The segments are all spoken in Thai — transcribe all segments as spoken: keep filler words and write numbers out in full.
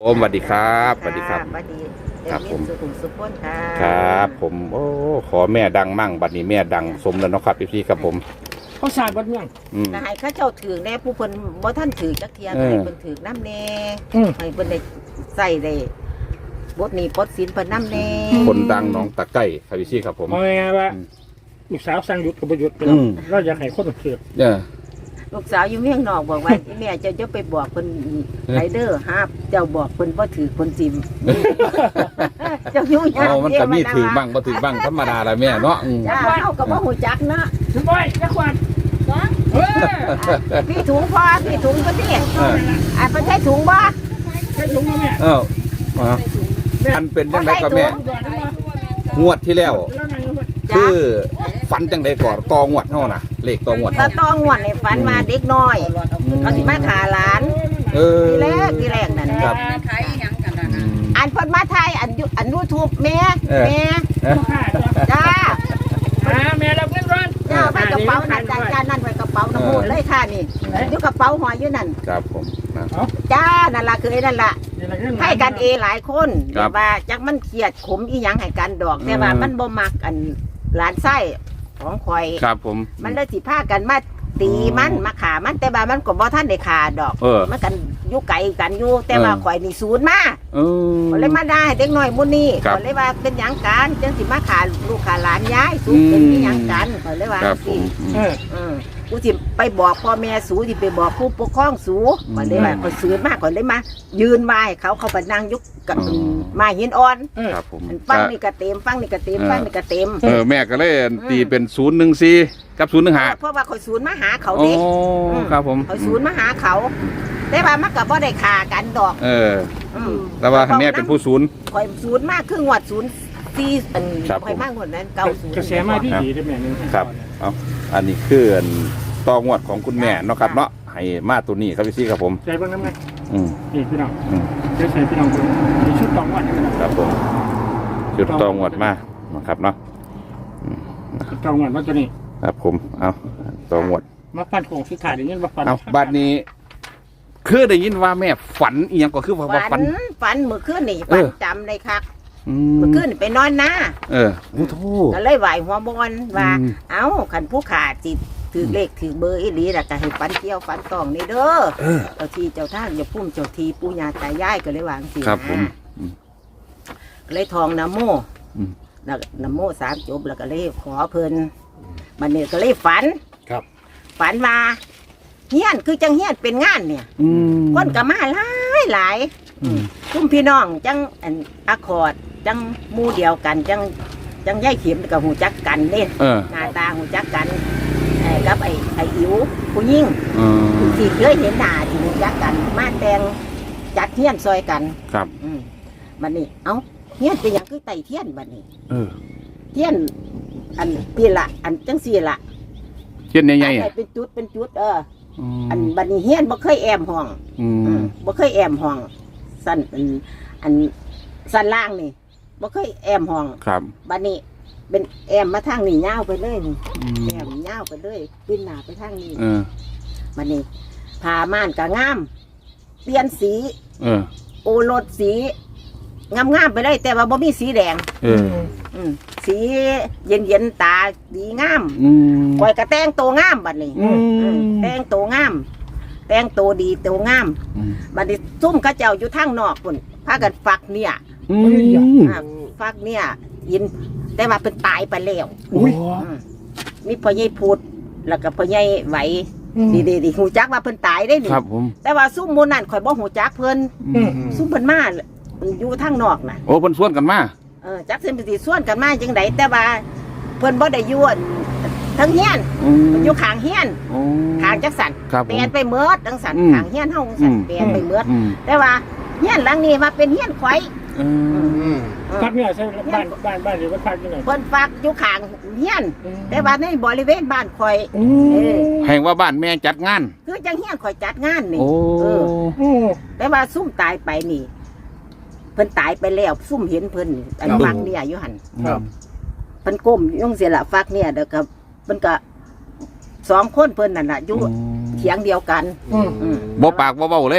มสวัสดีครับสวัสดีครับสวัสดีครับผมสุขุมสุขพ้นค่ะครับผมโอ้ขอแม่ดังมั่งบัดนี้แม่ดังสมแล้วเนาะครับพี่ๆครับผมเขาสร้างวัดเมืองอืมนายเขาเจ้าถือแน่ผู้เพิ่นบ่ท่านถือจักเทียเออให้เพิ่นถือน้ำแน่อืมให้เพิ่นได้ใส่ได้บทนี้ปลดศีลเพิ่นน้ำแน่คนดังหน้องตะไก้ครับพี่ๆครับผมเอาไงายๆว่าอืมลูกสาวสั่งหยุดกับประยุทธ์ไปอืแล้วมเราอยากให้คนเสือกเนี่ยลูกสาวอยู่เมียงนอกบอกว่า อีแม่เจะจะไปบอกเพิ่นไรเดอร์ฮาบเจ้าบอกเพิ่นบ่ถือเพิ่นจิม เจ้าอยู่ยากเอามันก็มีถือบ้างบ่ถือบ้างธรรมดาละแม่เนาะอืมจ้าเฮาก็บ่ฮู้จักเนาะถึงบ่อยจะขวัญเออพี่ถุงพอพี่ถุงก็ดิเอออ่ะเพิ่นใช้ถุงบ่ใช่ถุงมาแม่เออมาอันเป็นจังไดก็แม่ก่อนนะงวดที่แล้วแล้วนั่งอยู่จ้าคือฝันจังไดก่อนตองวดเฮาน่ะเลขตองวดตาต้องงวดในฝันมาเด็กน้อยเขาสิมาขาหลานเออทีแรกทีแรกนั่นครับขายหยังกันนะอืมอันเพิ่นมาไทยอันยูอันยูทูบแม่เออแม่ลูกค้าจ้ะจ้ามาแม่รับเงินร้อนจ้าไปกระเป๋านั่นจ้าจ้านั่นไปกระเป๋าน้ำมูลเลยค่ะนี่อยู่กระเป๋าหอยอยู่นั่นครับผมนะจ้านั่นล่ะคือไอ้นั่นล่ะนี่แหละเงินให้กันเองหลายคนครับแต่ว่าจักมันเครียดขมอีหยังให้กันดอก แต่ว่าอืมมันบ่มักอันหลานไส้ของข่อยครับผมมันเลยสิพากันมาตีมันมาขามันแต่ว่ามันก็บ่ทันได้ขาดอกเออมันกันอยู่ไกลกันอยู่แต่ว่าเออข่อยนี่ศูนย์มาเออก็เลยมาได้เด็กน้อยมุนี่ครับก็เลยว่าเป็นหยังกันจังสิมาขาลูกขาหลานย้ายสูเป็นที่หยังกันก็เลยว่าครับผสิมเอออืมกูสิไปบอกพ่อแม่สูสิไปบอกผู้ปกครองสูอืมก็เลยว่าก็ซื้อมากก็เลยมา ยืนไหว้เขาเขาไปนั่งยุกกับอ๋อมาหินอ่อนเออครับผมอันฟังนี่ก็เต็มฟังนี่ก็เต็มเออฟังนี่ก็เต็มเออแม่ก็เลยตีเป็นศูนย์หนึ่งสี่กับศูนย์หนึ่งห้าเพราะว่าข่อยศูนย์มาหาเขาโอ้เด็กครับผมข่อยศูนย์มาหาเขา แต่ว่ามันก็บ่ได้ขากันดอกเอออืมแต่ว่าแม่เป็นผู้ศูนย์ข่อยศูนย์มากครึ่งวัดศูนย์สี่อันครับข่อยมากกว่านั้นเก้าศูนย์กระแสมาที่ดีได้แม่นึงครับเอาอันนี้คืออันตองวดของคุณแม่เนาะครับเนาะให้มาตัวนี้ครับพี่ซี่ครับผมใจเบิ่งน้ำไงอืมนี่พี่น้องอืมเดี๋ยวใส่พี่น้องเบิ่งมีชุดตองวัดนะครับครับผมจุดตองวดมานะครับเนาะชุดตองวัดว่าตัวนี้ครับผมเอาตองวดมาฟันโคงสุดท้ายเดี๋ยวนี้มาฟันเอาบัดนี้ คือได้ยินว่าแม่ฝันอีหยังก็คือว่าว่าฝัฝันนฝันเมื่อคืนนี่เอฝันอจำเลยครับอืเมื่อมคืนนี่ไปนอนหน้าเออโอ้โหก็เลยไหวหัวบอลว่าอืมเอ้าขันผู้ขาดจิตถือเลขถือเบอร์อีหลีแล้วก็ให้ฝันเที่ยวฝันตองนี่เด้อเออเจ้าที่เจ้าทางอย่าพุ่มเจ้าทีปู่ย่าตายายก็เลยวางสิครับผมก็เลยทองนะโมอืมแล้วนะโมสามจบแล้วก็เลยขอเพิ่นบัดนี้ก็เลยฝันครับฝันว่าเฮียนคือจังเฮียนเป็นงานเนี่ยอืมคนก็มาหลายหลายอืมคุ้มพี่น้องจังอันอะคอร์ดจังหมู่เดียวกันจังจังย่ายเข็มกับหูจักกันเด้เออหน้าตาหูจักกันไอ้กับไอ้ไอ้อิ๋วผู้ยิ่งเออที่เคยเห็นหน้าที่หูจักกัน มาแต่งจัดเทียนซอยกันครับอืมบัดนี้เอ้าเทียนเป็นหยังคือไต่เทียนบัดนี้เออเทียนอันพี่ละอันจังสี่ละเช่นใหญ่ๆอันอ่ะไหนเป็นจุดเป็นจุดเอออือมอันบัดนี้เฮียนบ่เคยแอมห้องอือืมมบ่เคยแอมห้องสั้นอันอันสั้นล่างนี่บ่เคยแอมห้องครับบัดนี้เป็นแอมมาทางนี่ยาวไปเลยนี่อืมแอมยาวไปเลยปิ้นหน้าไปทางนี้เออบัดนี้ผ้าม่านก็งาม เปลี่ยนสีเออโอรสสีงามๆไปเลย แต่ว่าบ่มีสีแดงเอออืมสีเย็นๆตาดีงามอืมข่อยก็แต่งตัวงามบัดนี้อืมอืมแต่งตัวงาม แต่งตัวดีตัวงามอืมบัดนี้ซุ่มเขาเจ้าอยู่ทางนอกพุ่นพากันฝักเนี่ยอืมอ่าฝักเนี่ยยินแต่ว่าเป็นตายไปแล้วอุ้ยอืมมีพ่อใหญ่พูดแล้วก็พ่อใหญ่ไหวดีดีดีหูจักว่าเพิ่นตายได้นี่ครับผมแต่ว่าซุ่มหมูนั่นข่อยบ่หูจักเพิ่นอืมซุ่มเพิ่นมาอยู่ทางนอกน่ะโอ้เพิ่นสวนกันมาเออจักเส้นไปสิส่วนกันมาจังไดแต่ว่าเพิ่นบ่ได้อยู่อั่นทั้งเฮียนอืมเพิ่นอยู่ข้างเฮียนโอ้ข้างจักสันครับผเปลี่มยนไปเมิดจังสันอืมข้างเฮียนเฮาจังสันเปลี่ยนไปเมิดอืมแต่ว่าเฮียนหลังนี้มาเป็นเฮียนข่อยเออพักเนี่ยใช่บ้านบ้านบ้านหรือว่าพักยังไงเพิ่นฝากอยู่ข้างเฮียน แต่ว่าในบริเวณบ้านข่อยอืเอมอแห่งว่าบ้านแม่จัดงานคือจังเฮียนข่อยจัดงานนี่โอ้เออโอ้แต่ว่าซุ่มตายไปนี่ เพิ่นตายไปแล้วซุ่มเห็นเพิ่นอันฟักเนี่ยอยู่หั่นครับเพิ่นก้มยงเสียละฟักเนี่ยเด้อกับเพิ่นก็สองคนเพิ่นนั่นน่ะอยู่เถียงเดียวกันอืมอืมบ่ปากบ่เว้าเลย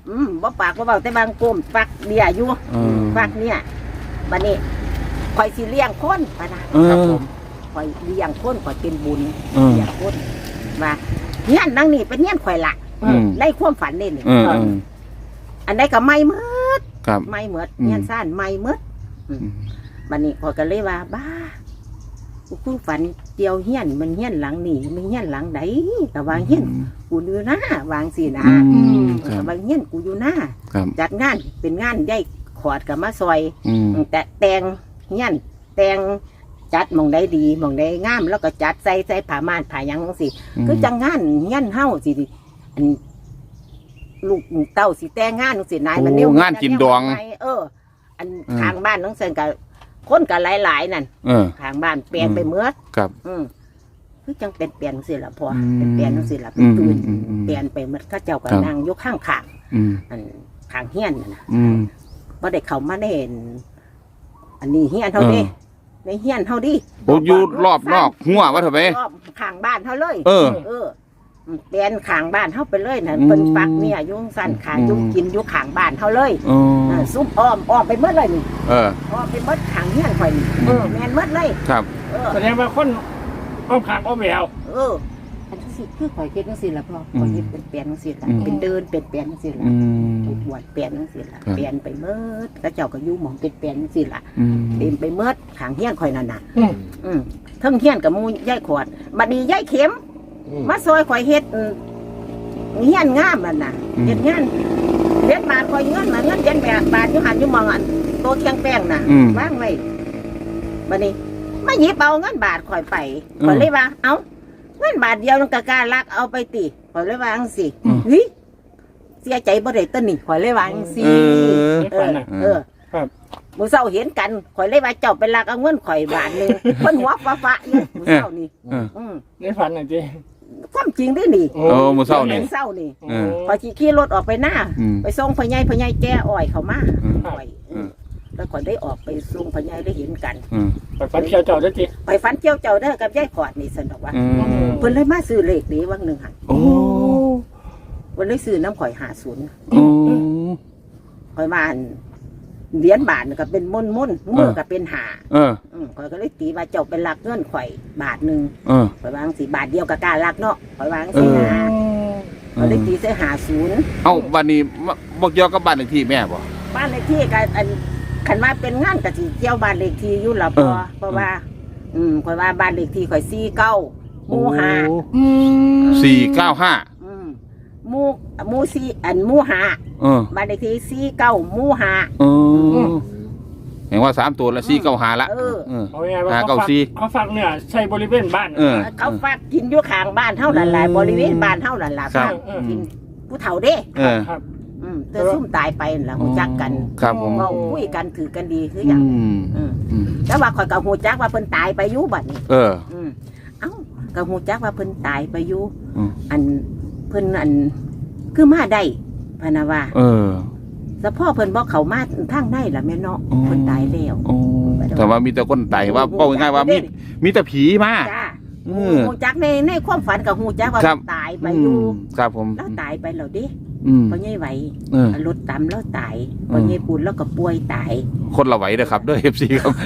อืมบ่ปากบ่เบาแต่บางกลมฟักเดียอยู่เออฟักเนี่ยบัดนี้ข่อยสิเลี้ยงคนปะนะเออครับผมข่อยเลี้ยงคนข่อยเป็นบุญเออเลี้ยงคนว่าเงี้ยนนั่งนี่เป็นเงี้ยนข่อยละอืมในความฝันนี่นี่เออเอออันใดก็ไม่หมดครับไม่หมดอืมเงี้ยนซ่านไม่หมดอืมบัดนี้ข่อยก็เลยว่าบ้ากูเพิ่งฝันเดียวเฮี้ยนมันเฮี้ยนหลังนี่มันเฮี้ยนหลังใดแต่ว่าเฮี้ยนกูอยู่หน้าวางสินะอืมคแต่รับว่าเฮี้ยนกูอยู่หน้าครับจัดงานเป็นงานใหญ่ขอดกับมาซอยอืมแต่แต่งเฮี้ยนแต่งจัดหมองได้ดีหมองได้งามแล้วก็จัดใส่ใส่ผ้าม่านผ้าหยังสิคือจังงานเฮี้ยนเฮาสิอันลูกเต้าสิแต่งงานจังสินายมันโอ้เร็วงานกินดองเออ อันอืมทางบ้านน้องเซนกับคนกับหลายๆนั่นเออทางบ้านเปลี่ยนไปเมื่อครับอืมคือจังเป็นเปลี่ยนจังสิละพออืมเป็นเปลี่ยนจังสิละเป็นตื่นอืมอืมอืมเปลี่ยนไปเมื่อข้าเจ้าก็ครับนั่งอยกข้างขางอืมอันขางเฮี้ยนน่ะนะอืมบ่ได้เข้ามาได้เห็นอันนี้เฮี้ยนเท่านี้เออในเฮี้ยนเท่าดิโอ้อยู่รอบนอกหัวว่าเถอะไปรอบข้างบ้านเท่าเลยเออเออเปลี่ยนข้างบ้านเท่าไปเลยน่ะอืมเป็นปักเนี่ยอยุ่งสั้นขางอืมยุ่งกินอยุ่ข้างบ้านเท่าเลยอ๋อเออซุปอ้อมอ้อมไปเมื่อเลยนี่เอออ้อมไปเมื่อข้างเฮี้ยนข่อยนี่เออแม่นเมื่อเลยครับเออแสดงว่าคนอ้อมขางอ้อมแหววเอออันที่สิคือข่อยเฮ็ดจังซี่ล่ะพ่อข่อยเฮ็ดเป็นเปลี่ยนจังซี่ล่ะอืมเป็นเดินเป็นเปลี่ยนจังซี่ล่ะอืมไปบวชเปลี่ยนจังซี่ล่ะครับเปลี่ยนไปเมิดกระเจ้าก็อยู่หม่องเป็นเปลี่ยนจังซี่ล่ะอืมเต็มไปเมิดข้างเฮียนข่อยนั่นน่ะอืมอืมเทั้งเฮียนกับหมูยายขวดบัดนี้ยายเข็ม มาซอยข่อยเฮ็ดอืมเฮียนงามนั่นน่ะอืมเฮ็ดงานเฮ็ดบาทข่อยเงินมาเงินเย็นแบบบาทอยู่หันอยู่หมองอันโตเคียงแป้งน่ะอืมวางไว้บัดนี้มาหยิบเอาเงินบาทข่อยไปอืมข่อยเลยว่า เอ้าเงินบาทเดียวมันก็กล้าลักเอาไปติข่อยเลยว่าจังซี่อืมเฮ้ยเสียใจบ่ได้ต้นนี่ข่อยเลยว่าจังซี่เออเออเออครับมื้อเช้าเห็นกันข่อยเลยว่าเจ้าไปลักเอาเงินข่อยบาทหนึง เพิ่นหัวฟ้าๆอยู่มื้อเช้านี่เอออืมในฝันน่ะจีความจริงด้วยนี่โอ้โอ้มื้อเช้านี่เช้านี่เออพอขี่ขี่รถออกไปหน้าอืมไปส่งพ่อใหญ่พ่อใหญ่แก้อ้อยเขามาอืมอ้อยอืมแล้วก็ได้ออกไปส่งพ่อใหญ่ได้เห็นกันอืมไปฝันเที่ยวเจ้าได้จีไปฟันเจียวเจ้าเด้อกับยายขอดนี่สนอกว่าอืมเพิ่นเลยมาซื้อเลขนี้วังหนึ่งหันโอ้เพิ่นเลยซื้อน้ำข่อยหาศูนย์โอ้ข่อยมาอันเหรียญบาทนี่ก็เป็นม่นม่นๆมือก็เป็นหาเอออืมข่อยก็เลยตีว่าเจ้าเป็นลักเงินข่อยบาทหนึ่งเออข่อยวาจั่งสีบาทเดียวกับการลักเนาะข่อยวาจั่งเอสีอนะข่อยเลยตีใส่หาศูนย์เอ้าบัดนี้มาบ่เกี่ยวกับบ้านเลขที่แม่บ่บ้านเลขที่ก็อันขันมาเป็นงานกะสิเกี่ยวบ้านเลขที่อยู่ละพอเออเพราะว่า อืมข่อยว่าบ้านเลขที่ข่อยสี่เก้าหมู่ห้าสี่เก้าห้าอืมหมู่หมู่สี่อันหมู่ห้าเออบ้านเลขที่สี่เก้าหมู่ห้าเออเห็นว่าสามตัวละสี่เก้าห้าละเออเออเอาไงว่าหาเขาเก้าฟักสี่เขาฟักเนี่ยใช่บริเวณบ้านเออเขาฝากกินอยู่ข้างบ้านเท่านั้นแหละบริเวณบ้านเท่านั้นแหละครับกินผู้เฒ่าเด้เออครับอืมแต่ซุ่มตายไปนั่นล่ะหูจักกันครับผมเว้าคุยกันถือกันดีคือออืย่างมอืมอืมแต่ว่าข่อยกับหูจักว่าเพิ่นตายไปอยู่บัดนี้เอออืมเอ้ากับหูจักว่าเพิ่นตายไปอยู่อืมอันเพิ่นอันคือมาได้พะนะว่าเออสะพ่อเพิ่นบอกเขามาทางได้ล่ะแม่เนาะอ๋อเพิ่นตายแล้วโอ้แต่ว่ามีแต่คนไต่ว่าเป้าง่ายๆว่ามีมีแต่ผีมาจ้าเออหูจักในในความฝันกับหูจักว่าครับตายไปอยู่มครับผมแล้วตายไปแล้วดิอืมพ่อใหญ่ไหวเออรถตำแล้วตายพ่อใหญ่ปูนแล้วก็ป่วยตายคนละไหวเด้อครับเด้อ เอฟ ซี ครับ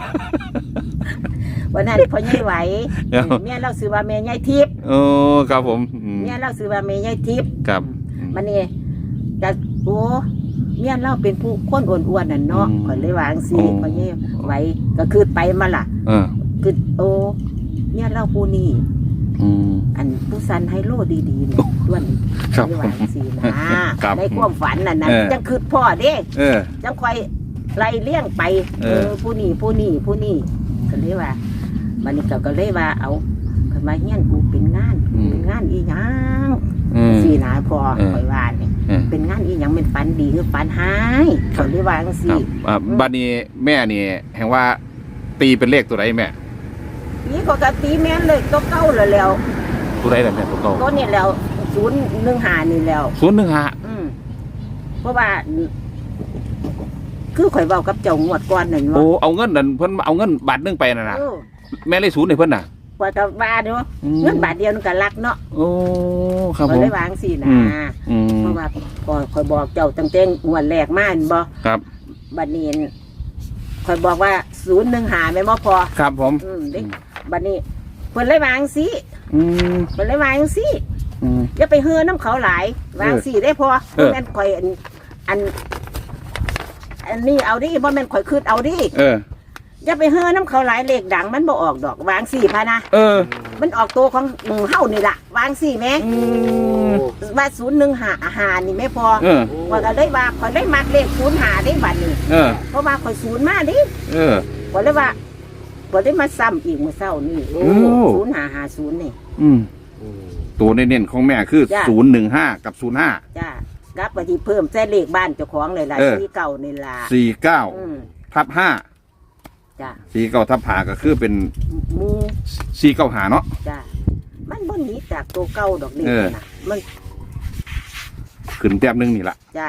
วันนั้นพ่อใหญ่ไหวเดี๋ยวแม่เราซื้อว่าแม่ใหญ่ทิพย์โอ้ครับผมอืมแม่เราซื้อว่าแม่ใหญ่ทิพย์ครับมันนี่แต่โอ้เมียเราเป็นผู้คนอ้วนๆน่ะเนาะอืมข่อยเลยวาจั่งซีโอ้พ่อใหญ่ไหวก็คือไปมาล่ะเออคือโอ้เมียเราผู้นี้อืมอันผู้สันไฮโลดีๆเนี่ยด้วนครับเลยวาจั่งซีนะครับ ในความฝันน่ะนะเออจังคือพ่อเด้เออจังคอยไล่เลี้ยงไปเออผู้นี้ผู้นี้ผู้นี้ก็เลยว่ามันนี่ก็ก็เลยว่าเอาขึ้นมาเฮียนกูเป็นงานเป็นงานอีหยังอืมสีหนาพอเออคอยว่าเนี่ยเออเป็นงานอีหยังเป็นฝันดีคือฝันหายเขาเลยว่าจังคซี่รับอ่าบัดนี้แม่นี่แห่งว่าตีเป็นเลขตัวใดแม่นี่ก็กะตีแม่นเลยตัวเก่าแล้วแล้วตัวใดล่ะแม่ตัวเก่าตัวนี้แล้วศูนย์หนึ่งหานี่แล้วศูนย์หนึ่งห้าอืมเพราะว่า คือข่อยเว้ากับเจ้างวดก่อนนั่นโอ้ว่าเอาเงินนั่นเพิ่นเอาเงินบาทหนึงไปน่ะนะเออแม่เลยศูนย์ให้เพิ่นน่ะกว่าจะบาทเนาะอืมเงินบาทเดียวนึงก็รักเนาะโอ้ครับก็ผมเลยวางสินะอืม อืมเพราะว่าพอคอยบอกเจ้าตั้งแต่งวดแรกมาเห็นบ่ครับบัดนี้คอยบอกว่าศูนย์หนึ่งหาไม่บ่พอครับผมอืมเด็กบัดนี้เพิ่นเลยวางสิอืมเพิ่นเลยวางสิอืมอย่าไปเฮือน้ำเขาหลายวางสิได้พอเออบ่แม่นข่อยอันอัน อันนี้เอาดิบ่แม่นข่อยคืดเอาดิเอออย่าไปเฮือน้ำเขาหลายเลขดังมันบ่ออกดอกวางสิพะนะเออมันออกตัวของหมู่เฮานี่ล่ะวางสิแม่อืมว่าศูนย์หนึ่งหาอาหารนี่ไม่พอเออว่าก็เลยว่าข่อยได้มักเลขศูนย์หาได้บัดนี้เออเพราะว่าข่อยศูนย์มาดิเออข่อยเลยว่าข่อยได้มาซ้ำอีกมื้อเช้านี่โอ้ศูนย์หาหาศูนย์นี่อืม ตัวเน้นๆของแม่คือจ้ะศูนย์หนึ่งห้ากับศูนย์ห้าจ้ากลับไปที่เพิ่มใส่เลขบ้านเจ้าของเลยล่ะเออที่เก่านี่ล่ะสี่เก้าอืมทับห้าจ้าสี่เก้าทับหาก็คือเป็นหมูสี่เก้าหาเนาะจ้ามันบ่หนีจากตัวเก่าดอกนี่เออนะมันขึ้นแต้มหนึงนี่ละจ้า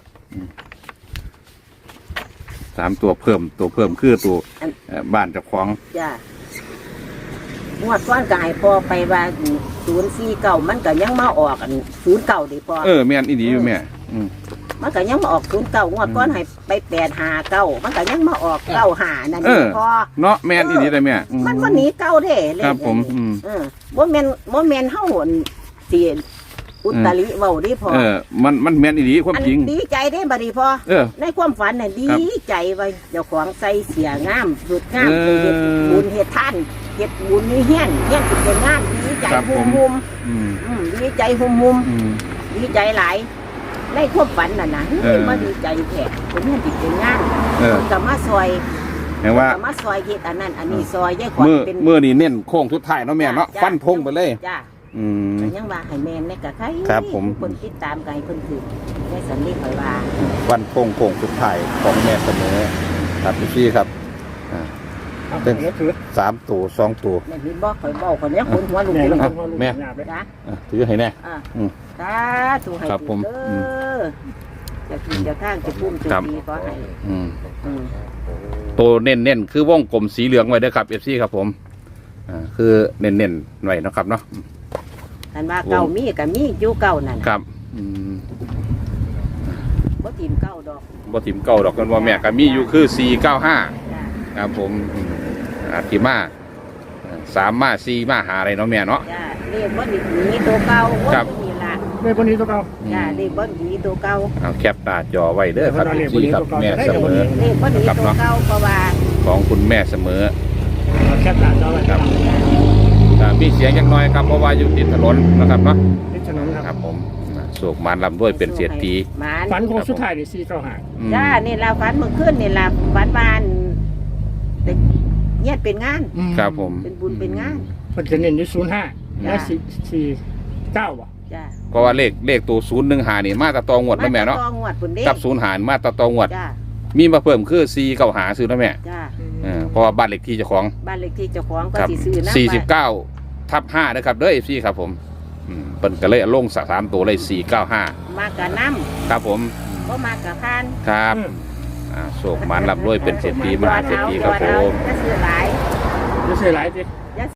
สามตัวเพิ่มตัวเพิ่มคือตัวอันเอ่อบ้านเจ้าของจ้างวดก้อนกายพอไปว่าศูนย์สี่เก่ามันก็ยังมาออกอันศูนย์เก่าดิพอเออแม่นอีดีอยู่แม่อืมมันก็ยังมาออกศูนย์เก่างวดก้อนให้ไปแปดหาเก้ามันก็ยังมาออกเก้าหานั่นเอดิอพอเนาะแม่นอีดีเลยแม่อืมันบ่หนีเก่าเด้เลยครับผมอืมเออบ่แม่นบ่แม่นเฮาอั่นสิอุตริเว้าดิพอเออ มันมันแม่นอีดีความอันจริงดีใจเด้บัดนี้พอเออในความฝันน่ะดีครับใจว่าเจ้าของใส่เสียงามสุดงามเออไปเฮ็ดบุญเฮ็ดทานเฮ็ดบุญนี่เฮียนเฮียนสิเป็นงานดีใจครับหุผมมุมอืมๆอืมดีใจหุมุมอืมๆดีใจหลายในความฝันน่ะนะเออมาดีใจแท้เป็นเฮียนสิเป็นงานเออเพิ่นก็มาซอยแปลว่าเพิ่นก็มาซอยเฮ็ดอันนั้นอันนี้ซอยยายขวัญเมื่อเป็นเมื่อนี่เน้นโค้งทุดท้ายเนาะแม่เนาะจ้ะฟันธงไปเลยจ้าอืมก็ยังว่าให้แม่นในกะใครครับผมคนติดตามกันให้เพิ่นถือในสันนิษฐานว่าฟันธงโค้งสุดท้ายของแม่เสมอครับพี่ครับอ่า เป็นสามตัวสองตัวแม่พี่บอกข่อยบอกคนเนี้ยคนหัวลุกเลยอ่ะแม่จ้าอ่ะถือให้แน่อ่าอืมสาธุให้ครับผมเด้อจะกินจะข้างจะพุ่มจะครับดีก็ให้อืมอืมตัวเน้นๆคือวงกลมสีเหลืองไว้เด้อครับเอฟซีครับผมอ่าคือเน้นๆไว้เนาะครับเนาะท่านว่าเก่ามีกับมีอยู่เก่านั่นคน่ะรับอืมบ่ทีมเก่าดอกบ่ถิ่มเก้าดอกกันว่าแม่ก็มีอยู่คือสี่เก้าห้าจ้าครับผมอืมอาทิมาสามมาสี่มาหาอะไรเนาะแม่เนาะจ้าเรียกว่าหนีตัวเก่าว่าครับนี่ล่ะเลขวันนี้ตัวเก่าจ้าเรียกว่าหนีตัวเก่าเอาแคปหน้าจอไว้เด้อครับเอาเลขพี่ครับวันนี้แม่ตัวเก่าเสมอเรียกว่าหนีตัวเก่าเพราะว่าของคุณแม่เสมอเอาแคปหน้าจอไว้ครับอ่ามีเสียงยังน้อยครับเพราะว่าอยู่ติดถนนนะครับเนาะนิดถนนคครัรับบผมอ่าโศกมารลำด้วยเป็นเสียทีหมาฝันของสุดท้ายนี่สี่เก้าห้าอืมจ้านี่ล่ะฝันเมื่อคืนนี่ล่ะฝันบานแต่เนี่ยเป็นงานครับผมเป็นบุญเป็นงานมันจะเน้นอยู่ศูนย์ห้าและสี่สี่เก้าบ่จ้าเพราะว่าเลขเลขตัวศูนย์หนึ่งหานี่มาตะตองวดนะแม่เนาะตองวดปุ่นเด้กับศูนย์หารมาตะตองวดจ้ามีมาเพิ่มคือสี่เก้าหาซื้อนะแม่จ้าเออเพราะว่าบ้านเลขที่เจ้าของบ้านเลขที่เจ้าของก็ครับสิซื้อนะสี่สิบเก้าทับห้านะครับเด้อเอฟซีครับผมอืมเป็นก็เลยเอาลงสามตัวเลยสี่เก้าห้ามากกับน้ครับผมำก็มากกับพานครับอ่าโศกมันลำด้วยเป็นเศรษฐีมหาเศรษฐีครับผมจะซื้อหลายจะเสียหลายสิ